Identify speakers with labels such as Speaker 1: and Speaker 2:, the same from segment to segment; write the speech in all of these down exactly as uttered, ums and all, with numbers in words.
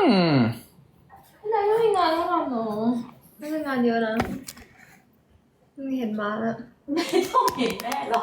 Speaker 1: ม
Speaker 2: พี่นายไม่มีงานต้องทำเนาะไม่มีงานเยอะนะไม่เห็นมาแล้ว
Speaker 3: ไม่ต้องเห็นแม่หรอก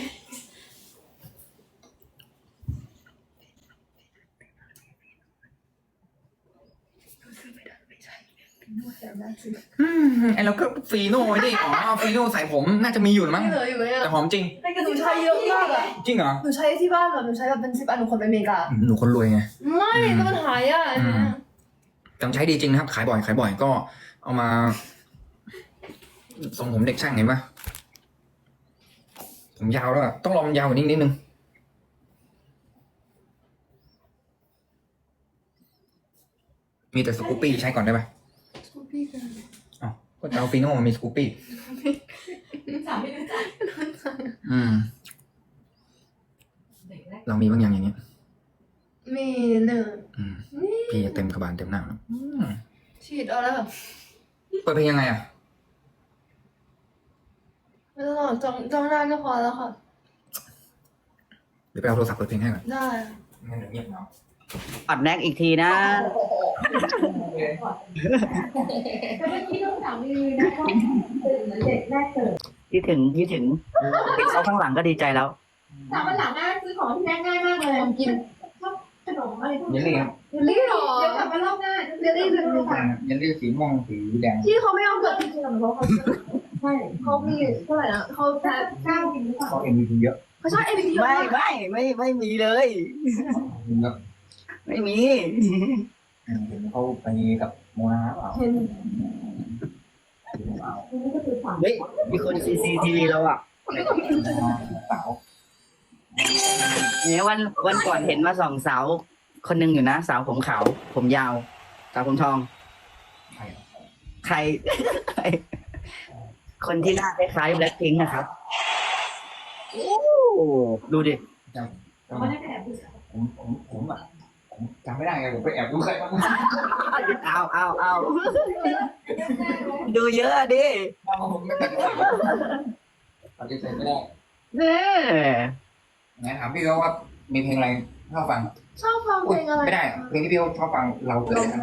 Speaker 1: อืมไอเราก็ฟีโน่ไว้ดิอ๋อฟีโน่ใส่ผมน่าจะมีอยู่มั้ง
Speaker 2: ไม่เหลืออยู่ไหมอะ
Speaker 1: แต่หอมจริง
Speaker 2: หนูใช้เยอะมากอะ
Speaker 1: จริงเหรอ
Speaker 2: หนูใช้ที่บ้านแบบหนูใช้แบบเป็นสิบอันหนูคนไปอเมริกา
Speaker 1: หนูคนรวยไง
Speaker 2: ไม่ก็มันหายอ่ะอันเนี้ย
Speaker 1: จำใช้ดีจริงนะครับ ขายบ่อยขายบ่อยก็เอามาทรงผมเด็กช่างเห็นปะผมยาวแล้วอะต้องรอมันยาวกว่านี้นิดนึงมีแต่สกูปปี้ใช้ก่อนได้ปะ
Speaker 2: พี่กัน
Speaker 1: อ๋อก็จะเอาฟีโน่มามีสกูปปี้
Speaker 3: สามไม่รู้จัก
Speaker 1: อืม
Speaker 3: เด็กแรก
Speaker 1: เรามีบางอย่างอย่างนี้
Speaker 2: มีหนึ่ง
Speaker 1: อืมพี่เต็มกระบาลเต็มหน้าแล้วอืม
Speaker 2: ฉีดเอาแล้วแบบ
Speaker 1: เปิดเพลงยังไงอ่ะ
Speaker 2: ไม่ต้องหรอกจ้องจ้องหน้าก็พอแล้วค่ะ
Speaker 1: เดี๋ยวไปเอาโทรศัพท์เปิดเพลงให้ก่อน
Speaker 2: ได้
Speaker 1: งั้นเดี๋ยวเงียบเนาะ
Speaker 4: ปัดแน็กอีกทีนะ
Speaker 3: แต่เมื่อกี้ต้องถามรีวิวนะว่าตื่นเหมือนเด็กแรกเกิด
Speaker 4: คิดถึงคิดถึงเขาข้างหลังก็ดีใจแล้ว
Speaker 3: ถามวันหลังนะซื้อของที่แม่ง่ายมากเลยกินชอบขนมอะไรพวก
Speaker 1: เยลลี่ครับ
Speaker 3: เยลลี่หรอเดี๋ยวกลับมารอบหน้าเยลลี่เป็นรูปแบบ
Speaker 1: เยลลี่สีม่วงสีแดง
Speaker 2: ที่เขาไม่เอาเกิดจริงๆอะเพราะเขา
Speaker 3: ใช่
Speaker 2: เขามีเท่าไหร่นะเขาแพ้
Speaker 3: เก้ากินหรือเปล่า
Speaker 1: เขาเอ็มวีเยอะ
Speaker 2: เขาชอบเอพีดีเยอะ
Speaker 4: ไม่
Speaker 2: มาก
Speaker 4: ไม่ไม่ไม่มีเลย
Speaker 1: เยอะ
Speaker 4: ไม่มี
Speaker 1: เห็นเขาไปกับโมนาเปล่า
Speaker 2: เห็น
Speaker 3: อันนี้ก็คือฝัง
Speaker 4: เฮ้ยมีคนซีซีทีวีเราอ่ะ
Speaker 1: สาว
Speaker 4: เนี่ยวันวันก่อนเห็นมาสองสาวคนหนึ่งอยู่นะ สาวผมขาวผมยาว สาวผมทอง
Speaker 1: ใคร
Speaker 4: ใคร ใคร คนที่หน้าคล้ายๆแบล็คพิงค์นะครับโอ้ดูดิ
Speaker 3: เขาไม่ได้แอบดู
Speaker 1: ผมผมผมอ่ะผมจำไม่ได้ไงผมไปแอบดูใครบ้าง
Speaker 4: เอาเอาเอาดูเยอะดิ
Speaker 1: ผมไม่ได้ปฏิเสธไม่ได้
Speaker 4: เนี่ย
Speaker 1: ไหนถามพี่เขาว่ามีเพลงอะไรชอบฟัง
Speaker 2: ชอบฟังเพลงอะไร
Speaker 1: ไม่ได้เพลงที่พี่เขาชอบฟังเราเกิดอะไรกัน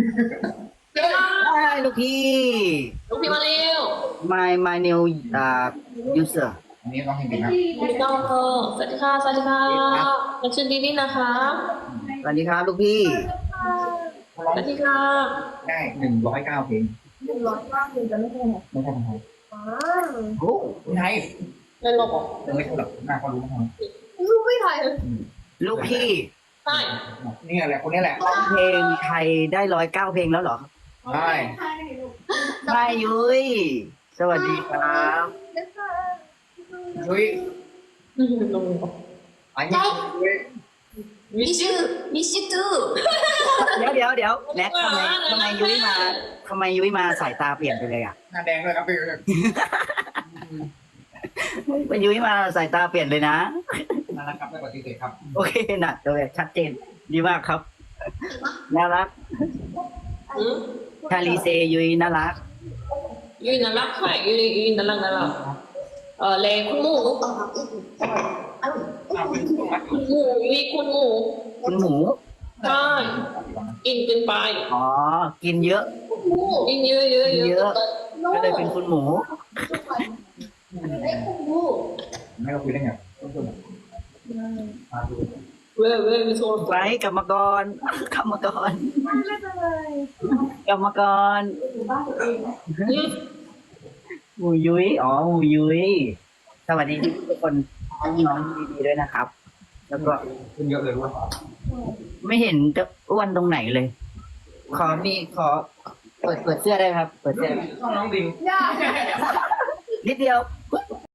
Speaker 4: ได้ลูกพี่
Speaker 5: ลูกพี่มาเร็ว
Speaker 4: my my new uh user
Speaker 1: อันนี้ร้องเพลงเก่งนะ
Speaker 5: พี่น้องเธอสวัสดีค่ะ สวัสดีค่ะฉันชื่อดีนี่นะคะ
Speaker 4: สวัสดีครับลูกพี่
Speaker 1: เขาร้อง
Speaker 5: สวัสดีค่ะ
Speaker 1: ได้หนึ่งร้อยเก้าเพลง
Speaker 2: หนึ่งร้อยมากเลยจะไม่ใช่หรอ
Speaker 1: ไม่ใช่คนไทย
Speaker 2: อ้า
Speaker 4: โอ้
Speaker 1: คนไทย
Speaker 5: เล่นหลบเหรอ
Speaker 1: ยังไม่ใช่หรอกหน้าเขารู้มั้ง
Speaker 2: ลูกไม่ไทยเลย
Speaker 4: ลูกพี่
Speaker 5: ใช่
Speaker 1: นี่แหละคนนี้แหละ
Speaker 4: ร้องเพลงไทยได้ร้อยเก้าเพลงแล้วเหรอ
Speaker 1: ใช่
Speaker 4: ไม่ยุ้ยสวัสดีครับ
Speaker 1: ยุ้ย
Speaker 5: ลง
Speaker 1: อันนี้ยุ้ย
Speaker 5: มิชูมิชูตู
Speaker 4: เดี๋ยวเดี๋ยวเดี๋ยวแน็กทำไมทำไมยุ้ยมาทำไมยุ้ยมาสายตาเปลี่ยนไปเลยอ่ะ
Speaker 1: หน้าแดงด้วยครับพี่
Speaker 4: เป็นยุ้ยมาสายตาเปลี่ยนเลยนะ
Speaker 1: น่ารักครับไม่ปฏิเสธครับ
Speaker 4: โอเคนะเลยชัดเจนดีมากครับน่ารัก
Speaker 5: อืม
Speaker 4: ชาลีเซยุ้ยน่ารัก
Speaker 5: ยูน่ารักใช่ยูยูน่ารักน่ารักเออเลคุณหมูคุณหมูยูคุณหมู
Speaker 4: คุณหมู
Speaker 5: ใช่กินเกินไป
Speaker 4: อ๋อกินเยอะ
Speaker 5: กินเยอะเยอะเย
Speaker 4: เย
Speaker 5: อะ
Speaker 4: อะ ก็เลยเป็นคุณหมู
Speaker 1: ไม่เราคุยได้ไงต้องคุยมาดู
Speaker 5: เว้ยเว้ยมีโซน
Speaker 4: ไว้กรรมกร กรรมกร
Speaker 2: ไม่เป็นไร
Speaker 4: กรรมกรหมูยุ้ยอ๋อหมูยุ้ยสวัสดีทุกคนน้องๆดีๆด้วยนะครับ แล้วก็
Speaker 1: ขึ้นเยอะเลยว่า
Speaker 4: ไม่เห็นจะอ้วนตรงไหนเลย ขอมีขอ เปิดเปิดเสื้อได้ไหมครับ เปิดเสื้อได้ไหม
Speaker 1: ช่องน้องดิง
Speaker 2: ยาก
Speaker 4: นิดเดียว